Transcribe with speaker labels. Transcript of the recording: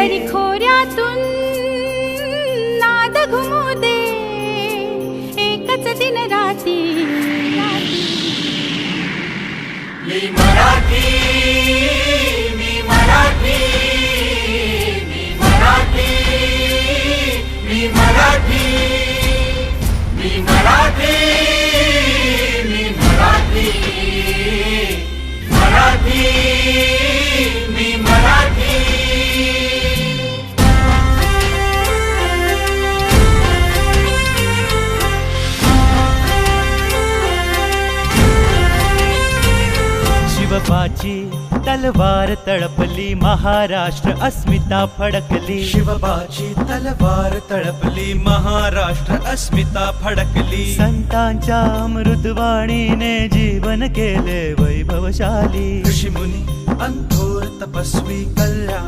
Speaker 1: दरी खोऱ्यातून नाद घुमू दे एकच दिन राती.
Speaker 2: मी मराठी, मी मराठी, मी मराठी, मी मराठी, मी मराठी, मी मराठी, मराठी, मी मराठी.
Speaker 3: शिवबाची तलवार तळपली, महाराष्ट्र अस्मिता फडकली.
Speaker 4: शिवबाची तलवार तळपली, महाराष्ट्र अस्मिता फडकली.
Speaker 3: संतांच्या अमृतवाणीने जीवन केले वैभवशाली.
Speaker 4: ऋषीमुनी अंथोर तपस्वी कल्याण